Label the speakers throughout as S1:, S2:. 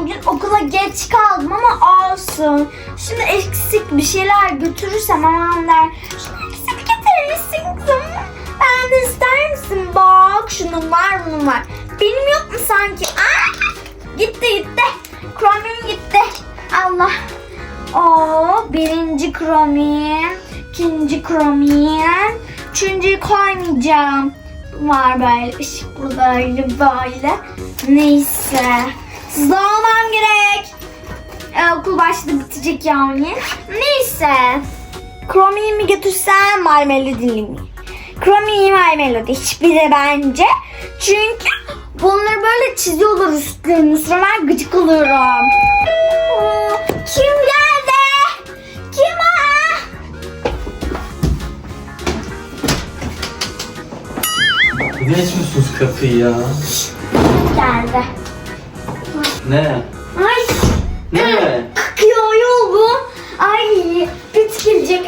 S1: bugün okula geç kaldım ama olsun. Şimdi eksik bir şeyler götürürsem aman der. Şunu eksik getirir misin kızım? Ben de ister misin? Bak şunun var bunun var. Benim yok mu sanki? Gitti. Kromim gitti. Allah. Birinci kromim. İkinci kromim. Üçüncüyü koymayacağım. Var böyle ışıklı böyle. Neyse. Hızlı olmam gerek. Okul başladı bitecek yani. Neyse. Kromi'yi mi götürsem My Melody'li mi? Kromi'yi My Melody hiçbiri bence. Çünkü bunları böyle çiziyorlar üstlerine. Sonra ben gıcık oluyorum. Kim geldi? Kim o?
S2: Ne açmışsınız kapıyı ya?
S1: Geldi.
S2: Ne?
S1: Ay.
S2: Ne?
S1: Kakıyor yol bu. Ay bit gelecek.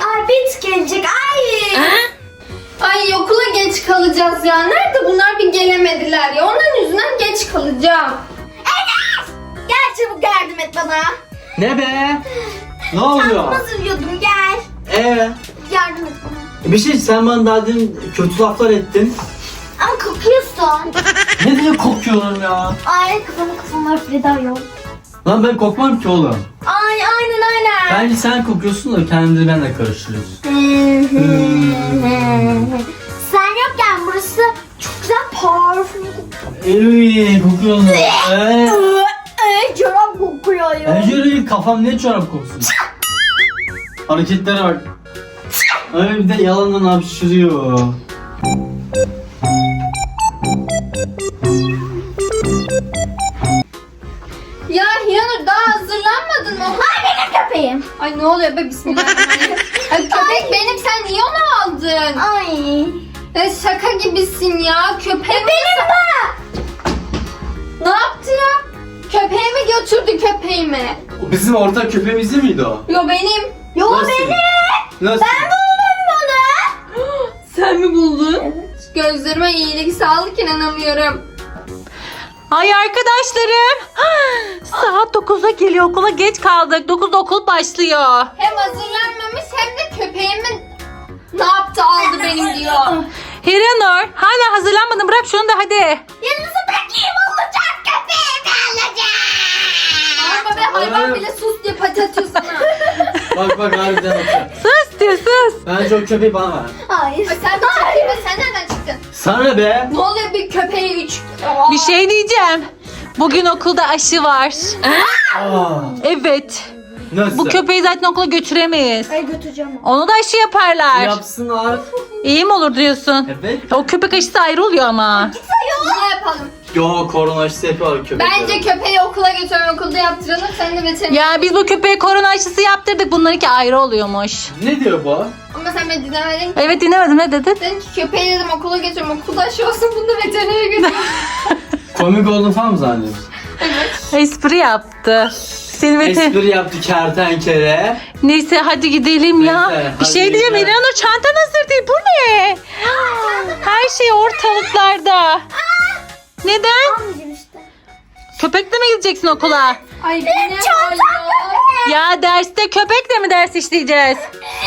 S3: Ay okula geç kalacağız ya. Nerede bunlar bir gelemediler ya. Onların yüzünden geç kalacağım.
S1: Enes! Gel çabuk yardım et bana.
S2: Ne be? Ne oluyor?
S1: Hazırlıyordum gel. Yardım et bana.
S2: Bir şey sen bana daha dün kötü laflar ettin.
S1: Ama kokuyorsun.
S2: Ne diye kokuyorum ya?
S1: Ay kafama üfledi yok.
S2: Lan ben kokmam ki oğlum.
S1: Ay aynen.
S2: Bence sen kokuyorsun da kendini benimle karıştırıyorsun.
S1: Sen yokken burası çok güzel parfüm kokuyor.
S2: Kokuyorsun.
S1: Çorap kokuyor ya.
S2: Ejder'in kafam ne çorap koksun. Hareketlere bak. Öyle bir de yalandan hapşırıyor.
S3: Ya Hiyanur daha hazırlanmadın mı?
S1: Ay benim köpeğim.
S3: Ay ne oluyor be bismillahirrahmanirrahim. Ay köpek benim, sen niye onu aldın?
S1: Ay.
S3: Ya şaka gibisin ya. Köpeğim
S1: Benim de.
S3: ne yaptı ya? Köpeğimi götürdü köpeğimi.
S2: O bizim ortak köpeğimiz değil miydi o?
S3: Yo benim.
S1: Yo
S2: Nasıl?
S1: benim.
S2: Nasıl?
S1: Ben buldum bunu.
S3: Sen mi buldun?
S1: Evet.
S3: Gözlerime iyilik sağlık, inanamıyorum.
S4: Ay arkadaşlarım. Saat 9'a geliyor, okula geç kaldık. 9'da okul başlıyor.
S3: Hem hazırlanmamış hem de köpeğimi ne yaptı, aldı benim diyor.
S4: Hiranur hala hazırlanmadın, bırak şunu da hadi.
S1: Yanınıza bırakayım olacak köpeğimi alacağım.
S3: Arma be, hayvan bile sus diye pati atıyor sana.
S2: Bak harbiden atıyor.
S4: Sus diyor sus.
S2: Bence o köpeği bana ver.
S1: Hayır.
S3: Ay sen bir çekil be, sen nereden çıktın?
S2: Sana be.
S3: Ne oluyor bir köpeğe 3?
S4: Bir şey diyeceğim. Bugün okulda aşı var.
S2: Aa,
S4: Evet.
S2: nasıl?
S4: Bu köpeği zaten okula götüremeyiz.
S1: Ay götüreceğim.
S4: Onu da aşı yaparlar.
S2: Yapsınlar.
S4: İyi mi olur diyorsun?
S2: Evet.
S4: O köpek aşısı ayrı oluyor ama.
S3: Ne yapalım?
S2: Yo korona aşısı yapıyorlar köpekler.
S3: Bence köpeği okula götürelim, okulda yaptıralım. Sen de veteriner.
S4: Ya biz bu köpeğe korona aşısı yaptırdık. Bunlarınki ayrı oluyormuş.
S2: Ne diyor bu?
S3: Ama sen beni dinlemedin.
S4: Evet dinlemedim, ne dedin?
S3: Dedim ki köpeği dedim okula götürüm, okulda aşı olsun, bunu da veterinere götürüm.
S2: Komik olduğunu falan mı zannediyorsun?
S4: Espri yaptı. Seni
S2: Espri yaptı kertenkele.
S4: Neyse hadi gidelim ya.
S2: Neyse,
S4: Bir
S2: hadi
S4: şey diyeyim,
S2: gidelim.
S4: İlhanur çantan hazır değil. Bu ne? Her şey ortalıklarda. Neden?
S1: Almayacağım işte.
S4: Köpekle mi gideceksin okula?
S3: Ay benim
S4: Ya derste köpekle mi ders işleyeceğiz?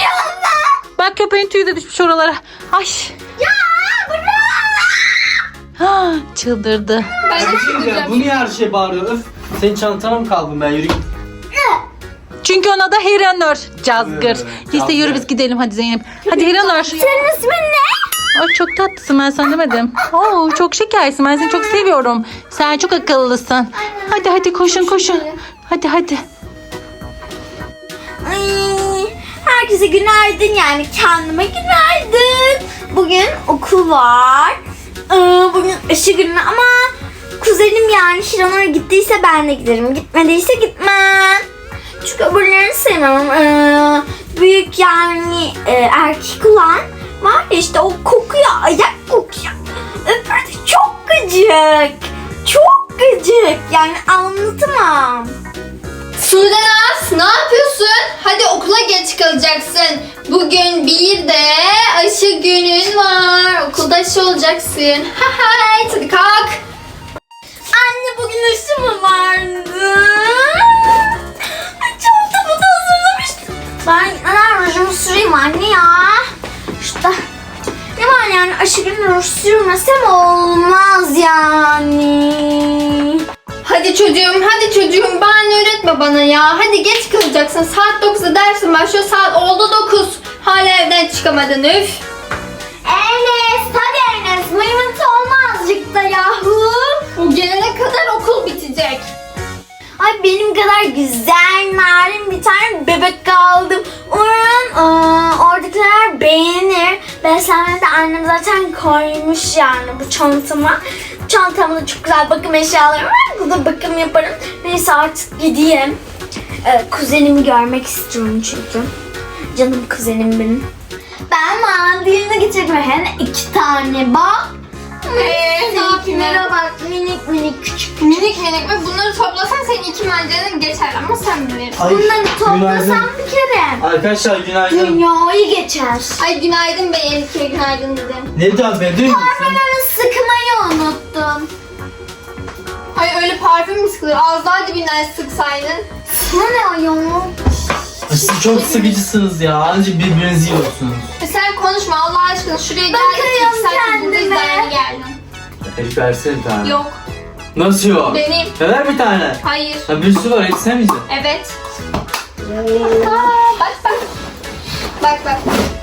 S4: Bak köpeğin tüyü de düşmüş oralara. Ay.
S1: Ya bırak.
S4: Çıldırdı.
S3: Ben de
S2: Ya,
S3: çıldıracağım.
S2: bu niye her şey bağırıyor? Öf. Senin çantana mı kaldım ben? Yürü git.
S4: Çünkü ona da Hiranur. Cazgır.
S2: Evet,
S4: Neyse
S2: cazgır.
S4: yürü biz gidelim hadi Zeynep. Hadi Hiranur.
S1: Senin ismin ne?
S4: Ay çok tatlısın, ben sana demedim. Oo çok şekersin, ben seni çok seviyorum. Sen çok akıllısın. Hadi koşun. Hadi.
S1: Ay, herkese günaydın, yani kendime günaydın. Bugün okul var. Bugün aşı günü ama kuzenim yani Hiranur gittiyse ben de giderim. Gitmediyse gitmem. Çünkü öbürlerini sevmem. Büyük yani erkek olan var ya işte, o kokuyor, ayak kokuyor. Öbürü de çok gıcık. Çok gıcık. Yani anlatamam.
S3: Sudenaz, ne yapıyorsun? Hadi okula geç kalacaksın. Bugün bir de aşı günün var. Okulda aşı olacaksın. Hadi kalk.
S1: Anne bugün aşı mı vardı?
S3: hadi çocuğum bahane üretme bana ya. Hadi geç kalacaksın. Saat 9'da dersin başlıyor. Saat oldu 9. Hala evden çıkamadın üf.
S1: Enes hadi Enes. Mıymıntı olma azıcık da yahu.
S3: O gelene kadar okul bitecek.
S1: Ay benim kadar güzel, narin bir tane bebek aldım. Umarım oradakiler beğenir. Beslenmede annem zaten koymuş yani bu çantama. Çantamda çok güzel bakım eşyalarım var. Burada bakım yaparım. Neyse artık gideyim. Kuzenimi görmek istiyorum çünkü. Canım kuzenim benim. Ben mandalina getirdim. Hem de 2 tane bak.
S3: Ne yapayım?
S1: Seninkilere bak minik minik küçük.
S3: Minik minik ve bunları toplasan senin 2 mancanın geçer ama sen bilirsin.
S2: Ay,
S1: Bunları toplasam
S2: günaydın.
S1: bir kere.
S2: Arkadaşlar günaydın.
S1: Dünyayı geçer.
S3: Ay günaydın be Elif'e günaydın dedim.
S2: Ne diyorsun be? Dün müsün?
S1: Parfümümü sıkmayı unuttum.
S3: Ay öyle parfüm mü sıkılır? Az daha dibinden sıksaydın.
S1: Sana ne ya?
S2: Ay, siz çok sıkıcısınız ya. Anca birbirinizi yiyorsunuz.
S3: Sen konuşma Allah aşkına şuraya gel.
S1: Bakıyorum
S3: 2 saat buradayız
S1: kendime.
S3: daha yeni geldim.
S2: Elif versene bir tane.
S3: Yok
S2: Nasıl yok?
S3: benim.
S2: Ver bir tane.
S3: Hayır.
S2: Ha, bir sürü var. Hepsi sen miydin?
S3: Evet. Aa, bak bak. Bak bak.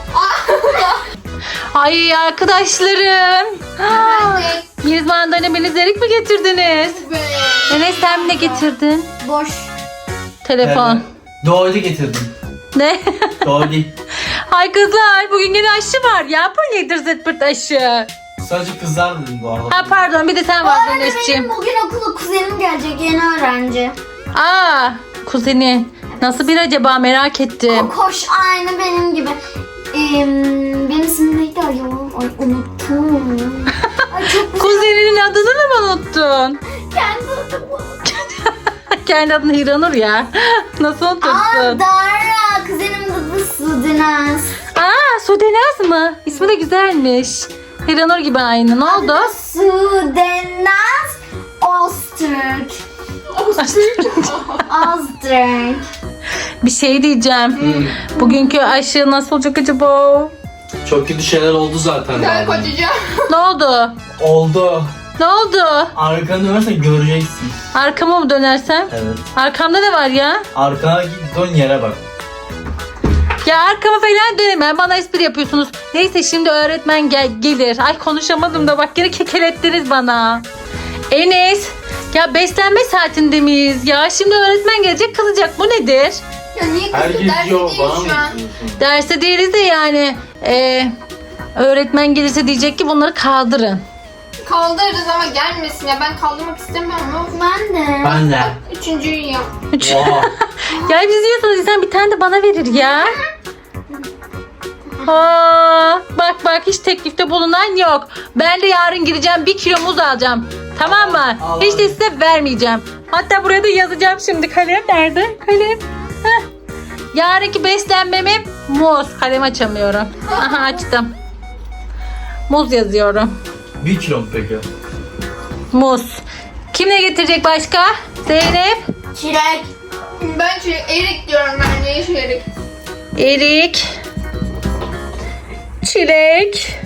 S4: Ay arkadaşlarım.
S3: Hadi.
S4: Yeliz mandalina beni zerik mi getirdiniz? Enes sen mi ne getirdin?
S1: Boş.
S4: Telefon.
S2: Doğru getirdim.
S4: Ne?
S2: Doğru.
S4: Ay kızlar bugün yine aşı var ya. Bu nedir zırt aşı?
S2: Sadece kızlar dedim bu arada.
S4: Ha pardon bir de sen
S1: Bu
S4: vardın
S1: arada
S4: Enes'ciğim.
S1: benim bugün okula kuzenim gelecek yeni öğrenci.
S4: Aa kuzenin. Nasıl bir acaba merak ettim.
S1: Koş aynı benim gibi. Benim ismim neydi ayol? Ay unuttum. Ay çok güzel.
S4: Kuzeninin adını da mı unuttun?
S1: Kendi adım bu.
S4: Kendi adını Hiranur ya. Nasıl
S1: Aa
S4: unutursun?
S1: Dara. Kuzenim adı Sudenaz.
S4: Aa Sudenaz mı? İsmi de güzelmiş. Hiranur gibi aynı. Ne oldu?
S1: Sudenaz Öztürk. Öztürk.
S4: Bir şey diyeceğim. Bugünkü aşı nasıl olacak acaba?
S2: Çok kötü şeyler oldu zaten.
S3: Gel
S2: daha.
S3: kocacığım.
S4: Ne oldu?
S2: Oldu.
S4: Ne oldu?
S2: Arkanı dönersen göreceksin.
S4: Arkama mı dönersem?
S2: Evet.
S4: Arkamda ne var ya?
S2: Arkana git dön yere bak.
S4: Ya arkama falan dönemem. Bana espri yapıyorsunuz. Neyse şimdi öğretmen gelir. Ay konuşamadım da bak yine kekelettiniz bana. Enes. Ya beslenme saatinde miyiz ya? Şimdi öğretmen gelecek kızacak. Bu nedir?
S3: Ya niye kızdı?
S2: Herkes
S3: Dersi
S2: yok.
S3: değil
S2: Bana mı
S3: şu an.
S2: diyorsun?
S4: Derse değiliz de yani. Öğretmen gelirse diyecek ki bunları kaldırın.
S3: Kaldırırız ama gelmesin ya. Ben kaldırmak istemiyorum ama.
S1: Ben de.
S2: Ben de.
S3: Üçüncüyü yap.
S2: Oha.
S4: Ya biz yiyorsanız insan bir tane de bana verir ya. Aa, bak hiç teklifte bulunan yok. Ben de yarın gideceğim 1 kilo muz alacağım. Tamam mı?
S2: Al,
S4: Hiç de
S2: hadi.
S4: size vermeyeceğim. Hatta buraya da yazacağım şimdi. Kalem nerede? Kalem. Heh. Yarınki beslenmemi muz. Kalem açamıyorum. Aha açtım. Muz yazıyorum.
S2: 1 kilo mu peki?
S4: Muz. Kim ne getirecek başka? Zeynep.
S1: Çilek.
S3: Ben şöyle erik diyorum ben. Ne iş erik?
S4: Erik. Çilek.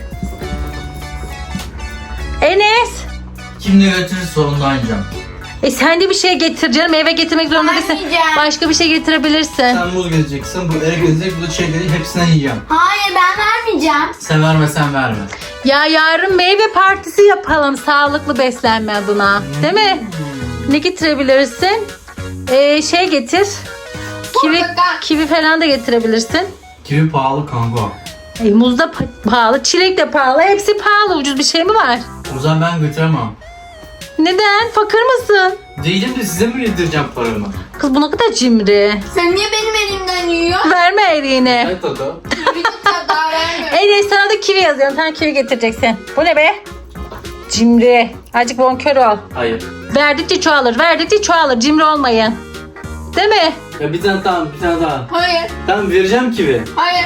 S4: Enes.
S2: Kim ne götürür sorunlu oynayacağım.
S4: Sen de bir şey getir canım. Eve getirmek zorunda değilsin.
S1: Vermeyeceğim.
S4: Başka bir şey getirebilirsin.
S2: Sen muz gezeceksin, bu erik gezecek, bu da çiçekleri hepsinden yiyeceğim.
S1: Hayır ben vermeyeceğim.
S2: Sen vermesen verme.
S4: Ya yarın meyve partisi yapalım. Sağlıklı beslenme adına. Değil mi? Ne getirebilirsin? Şey getir.
S3: Portakal.
S4: Kivi falan da getirebilirsin.
S2: Kivi pahalı kanka.
S4: Muz da pahalı. Çilek de pahalı. Hepsi pahalı. Ucuz bir şey mi var?
S2: O zaman ben götüremem.
S4: Neden? Fakir mısın?
S2: Değilim de size mi yedireceğim paramı?
S4: Kız bu ne kadar cimri.
S3: Sen niye benim elimden yiyorsun?
S4: Verme eriğini.
S2: Ne tadı?
S3: Bir tutar daha vermiyorum.
S4: Enes sana da kivi yazıyorum. Sen kivi getireceksin. Bu ne be? Cimri. Azıcık bonkör ol.
S2: Hayır.
S4: Verdikçe çoğalır. Verdikçe çoğalır. Cimri olmayın. Değil mi?
S2: Ya bir tane tamam, bir tane daha.
S3: Hayır.
S2: Tamam vereceğim kivi.
S3: Hayır.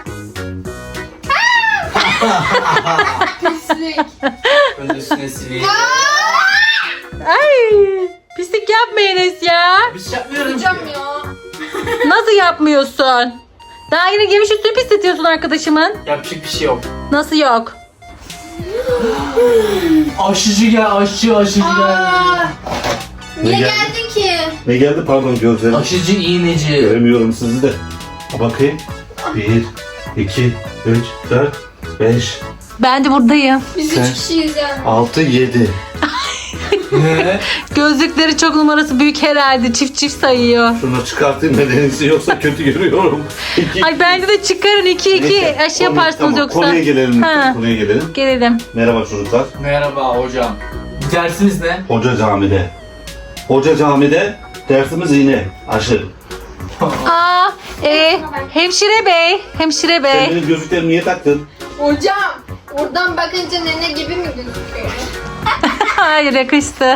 S3: Pislik.
S2: Ben de üstüne sileyim.
S4: Ay. Pislik yapma Enes ya.
S2: Bir şey yapmıyorum ki.
S3: Hocam ya.
S4: Nasıl yapmıyorsun? Daha yine giymiş üstünü pisletiyorsun arkadaşımın.
S2: Yapacak bir şey yok.
S4: Nasıl yok?
S2: Aşıcı gel, aşçı gel.
S3: Niye
S5: Ne geldi?
S3: geldin ki?
S5: Ne geldi pardon gözlerim.
S2: Aşıcı iğneci.
S5: Göremiyorum sizi de. Ha, bakayım. 1, 2, 3, 4, 5,
S4: Ben de buradayım.
S3: Biz
S5: Sen-
S3: 3 kişiyiz yani.
S5: 6, 7.
S2: Ne?
S4: Gözlükleri çok numarası büyük herhalde. Çift çift sayıyor.
S5: Şunu çıkartayım nedenisi yoksa kötü görüyorum.
S4: Ay bence de çıkarın 2 aşı yaparsınız yoksa.
S5: Konuya gelelim.
S4: Ha.
S5: Konuya gelelim.
S4: Gelelim.
S5: Merhaba çocuklar.
S2: Merhaba hocam. Dersiniz ne?
S5: Hoca camide. Hoca camide dersimiz iğne, aşı.
S4: Aa, hemşire bey. Hemşire
S5: Sen
S4: bey.
S5: benim gözlüklerimi niye taktın?
S3: Hocam oradan bakınca nene gibi mi gözüküyor?
S4: Hayır yakıştı.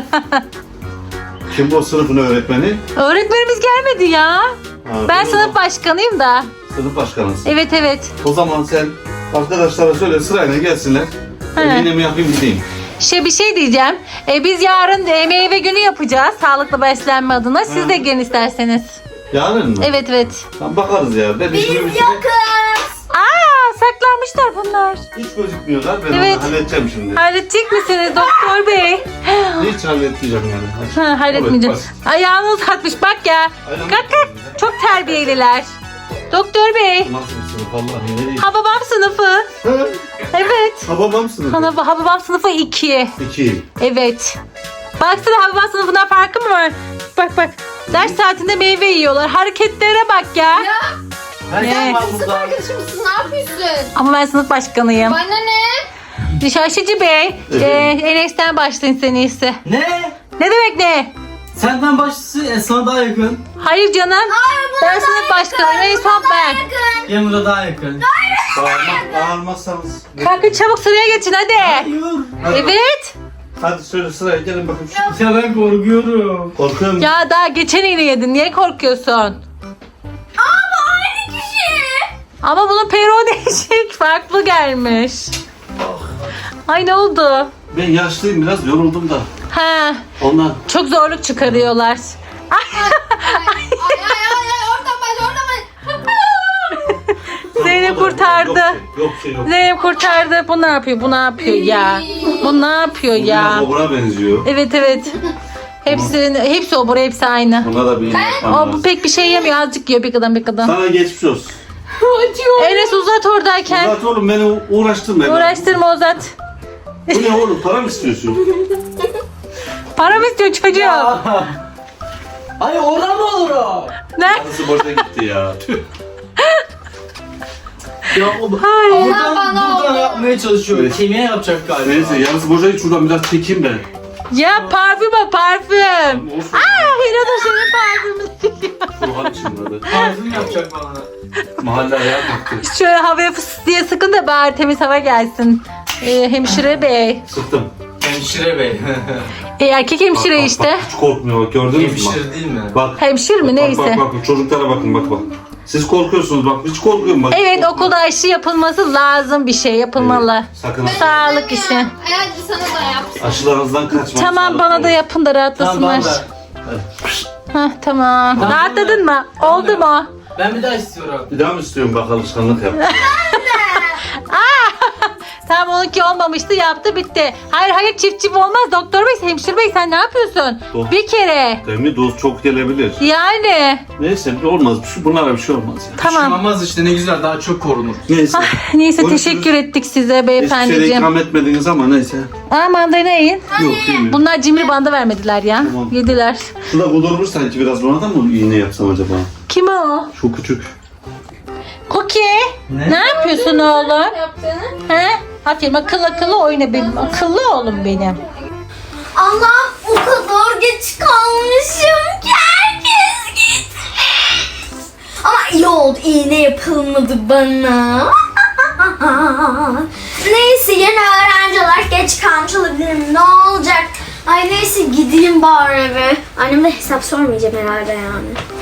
S5: Kim bu sınıfın öğretmeni?
S4: Öğretmenimiz gelmedi ya.
S5: Ha,
S4: Ben
S5: o
S4: sınıf başkanıyım da.
S5: sınıf başkanısın.
S4: Evet evet.
S5: O zaman sen arkadaşlara söyle sırayla gelsinler. Ben iğnemi yapayım gideyim.
S4: Bir şey diyeceğim. Biz yarın meyve günü yapacağız. Sağlıklı beslenme adına. Siz de gelin isterseniz.
S5: Yarın mı?
S4: Evet evet.
S5: Tamam bakarız ya. Ben
S1: Biz
S5: işimi bitireyim.
S1: yokuz.
S4: Aa, saklanmışlar bunlar.
S5: Hiç gözükmüyorlar. Ben
S4: Evet.
S5: onu halledeceğim şimdi.
S4: Halledecek misiniz doktor bey?
S5: Hiç halletmeyeceğim yani. Hadi.
S4: Halletmeyeceğim.
S5: Evet,
S4: Ayağını uzatmış bak ya.
S5: Ayağını
S4: Kalk kalk.
S5: uzatmış.
S4: Çok terbiyeliler. Doktor bey.
S5: Nasıl bir sınıf Allah'ım ne diyeyim.
S4: Hababam sınıfı.
S5: Ha?
S4: Evet.
S5: Hababam sınıfı.
S4: Hababam sınıfı 2.
S5: 2.
S4: Evet. Baksana Hababam sınıfından farkı mı var? Bak bak. Ders saatinde meyve yiyorlar. Hareketlere bak ya.
S2: Herkes var
S3: Sınıf
S2: burada.
S3: arkadaşım mısın? Ne yapıyorsun?
S4: Ama ben sınıf başkanıyım.
S3: Bana ne?
S4: Şaşıcı Bey.
S5: Evet.
S4: Enes'ten başlayın sen iyisi.
S2: Ne?
S4: Ne demek ne?
S2: Senden başlısı sana daha yakın.
S4: Hayır canım. Ben sınıf başkanıyım. En son ben.
S2: Yanımda daha yakın.
S5: Bağırmazsanız.
S4: Kalkın çabuk sıraya geçin hadi.
S2: Hayır.
S4: Evet.
S5: Hadi söyle sıraya gelin bakayım.
S2: Ya ben korkuyorum.
S5: Korkuyorum.
S4: Ya daha geçen iğne yedin. Niye korkuyorsun? Ama bunun peruğu değişik. Farklı gelmiş. Ay ne oldu?
S5: Ben yaşlıyım biraz yoruldum da.
S4: Ha,
S5: Ondan.
S4: çok zorluk çıkarıyorlar.
S3: Ay oradan baş.
S4: Zeynep kurtardı.
S5: Yok şey yok.
S4: Zeynep kurtardı. Bu ne yapıyor? Bu ne yapıyor ya? Bu ne yapıyor
S5: Bu biraz
S4: ya?
S5: obura benziyor.
S4: Evet evet. Hepsi obur, hepsi aynı.
S5: Buna da bir iğne yapmam
S4: O bu
S5: lazım.
S4: pek bir şey yemiyor. Azıcık yiyor bir kadın bir kadın.
S5: Sana geçmiş olsun.
S4: Enes uzat oradayken.
S5: Uzat oğlum beni uğraştırma.
S4: Uğraştırma uzat.
S5: Bu ne oğlum para mı istiyorsun?
S4: Para mı istiyor çocuğum?
S2: Hayır oradan mı olur o?
S4: Ne?
S5: Nasıl boşa gitti ya. Tüh.
S2: Ya o
S4: Hayır.
S2: buradan
S3: bana oldu.
S2: yapmaya çalışıyor.
S5: Evet.
S2: Kemiğe yapacak galiba.
S5: Neyse yarısı boşa git şuradan biraz çekeyim ben.
S4: Ya parfüm o parfüm.
S5: Olsun.
S4: Hira da senin parfümünü.
S5: Ruhan çınladı.
S2: Parfüm yapacak bana.
S5: Mahalle ayağa kalktı.
S4: Şöyle havaya fıs diye sıkın da bari temiz hava gelsin. Hemşire bey.
S5: Sıktım.
S2: Hemşire bey.
S4: Erkek hemşire işte.
S5: Bak, hiç korkmuyor bak gördünüz mü? Bak.
S2: Hemşire değil mi?
S5: Bak.
S4: Hemşire mi neyse.
S5: Bak çocuklara bakın bak. Siz korkuyorsunuz bak hiç korkuyorum bak.
S4: Evet
S5: Korkmuyorum.
S4: okulda aşı yapılması lazım bir şey yapılmalı.
S5: Sakın
S4: Sağlık işi.
S3: Hadi sana da yapsın.
S5: aşılarınızdan kaçmayın.
S4: Tamam
S5: sağlıklı
S4: bana da
S5: olun.
S4: yapın da
S2: Tamam
S4: rahatlasınlar.
S2: ben de.
S4: Hah tamam.
S2: Tamam.
S4: Rahatladın mı? Oldu mu?
S2: Ben bir daha istiyorum.
S5: Bir daha mı istiyorum bak alışkanlık yap.
S4: Tamam onunki olmamıştı yaptı bitti. Hayır çift olmaz doktor bey hemşire bey sen ne yapıyorsun?
S5: Doğru.
S4: Bir kere.
S5: Değil doz çok gelebilir.
S4: Yani.
S5: Neyse olmaz. Bunlara bir şey olmaz ya.
S4: Tamam.
S2: Şunamaz işte ne güzel daha çok korunur.
S5: Neyse.
S4: Neyse
S5: Görüşürüz.
S4: teşekkür ettik size
S5: Hiçbir şeyde
S4: beyefendiciğim.
S5: ikram etmediniz ama neyse.
S4: Aa mandalina yiyin.
S5: Yok değil mi?
S4: Bunlar cimri banda vermediler ya.
S5: Tamam.
S4: Yediler.
S5: Şurada bulurur sanki biraz buna da mı iğne yapsam acaba?
S4: Kim o?
S5: Şu küçük.
S4: Cookie.
S2: Ne?
S4: Ne yapıyorsun oğlum?
S3: Yaptığını.
S4: He? Aferin akıllı oyna benim. Akıllı oğlum benim.
S1: Allah'ım o kadar geç kalmışım ki herkes gitmiş. Ama iyi oldu iğne yapılmadı bana. Neyse yeni öğrenci olarak geç kalmış olabilirim ne olacak. Ay neyse gideyim bari eve. Anneme hesap sormayacağım herhalde yani.